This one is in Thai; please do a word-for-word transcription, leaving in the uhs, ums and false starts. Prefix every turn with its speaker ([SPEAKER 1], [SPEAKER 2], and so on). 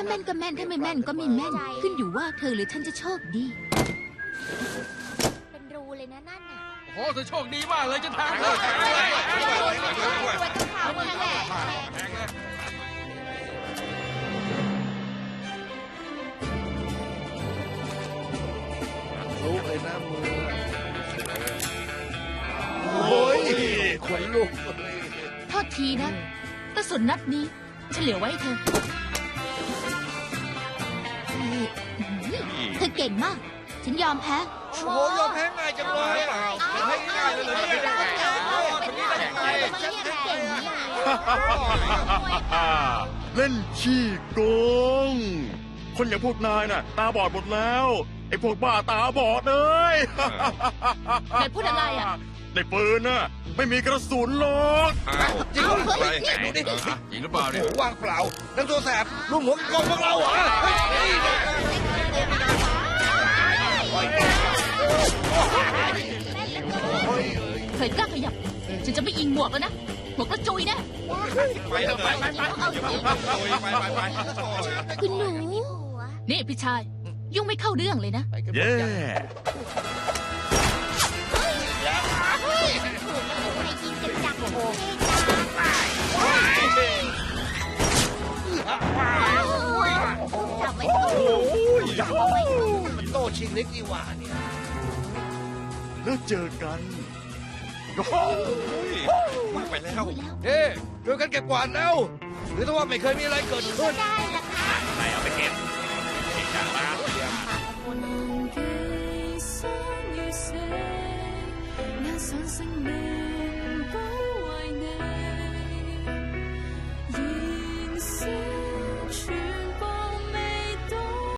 [SPEAKER 1] แม่นก็แม่นถ้าไม่แม่นก็ไม่แม่นขึ้นอยู่ว่าเธอหรือฉันจะโชคดี
[SPEAKER 2] เป็นรูเลยนะนั่นน่ะ
[SPEAKER 3] โอ้เธอโชคดีมากเลยจะแทงเลย
[SPEAKER 2] เอาหมดแหละ
[SPEAKER 3] แทงเลย
[SPEAKER 4] ลุกเลยนะมือโอ้ยขนลุก
[SPEAKER 1] โทษทีนะกระสุนนัดนี้ฉันเหลือไว้ให้เธอเธอเก่งมาก ฉันยอมแพ้
[SPEAKER 4] โอ้โหยอมแพ้ง่ายจังเลยอ่ะให้ง่ายเลยเหรอเนี่ย
[SPEAKER 2] เป็นนี่ได้ยังไงฉันเก่งเนี่ย
[SPEAKER 5] เล่นขี้โกง คนอย่างพวกนายน่ะ ตาบอดหมดแล้ว ไอ้พวกบ้าตาบอดเลย
[SPEAKER 1] นายพูดอะไรอ่ะ
[SPEAKER 5] ในปืนน่ะ ไม่มีกระสุนหรอก
[SPEAKER 4] จริงเหรอเฮ้ยดูดิ
[SPEAKER 3] จริงหรือเปล่า
[SPEAKER 4] โอ้
[SPEAKER 3] เนี่ย
[SPEAKER 4] โหว่างเปล่านักตัวแสบลุมหัวกองพวกเราเหรอเฮ้ยนี่เนี่ย
[SPEAKER 1] เคยกล้าขยับ ฉันจะไม่ยิงหมวกแล้วนะ หมวกกระจุยแนะ
[SPEAKER 3] ไปเถอะไปไปไปไปไปไป
[SPEAKER 1] คุณหนู นี่พี่ชาย ยุ่งไม่เข้าเรื่องเลยนะ
[SPEAKER 4] ไปกันหมด
[SPEAKER 5] เย้
[SPEAKER 4] ยัง
[SPEAKER 2] ให้กินกันจังโอ้จับไว้
[SPEAKER 4] โอ้ยมันโตชิงเล็กนี่หว่าเนี่ย
[SPEAKER 5] แล้วเจอกัน
[SPEAKER 3] ไปแล้ว
[SPEAKER 4] เฮ้ช่วยกันเก็บกวาดแล้วหรือถ้าว่าไม่เคยมีอะไรเกิดขึ้น
[SPEAKER 2] ได้ละค่ะ
[SPEAKER 3] ไหนเอาไปเก็บเก็บจากมา
[SPEAKER 6] 難與生與死，也想生命。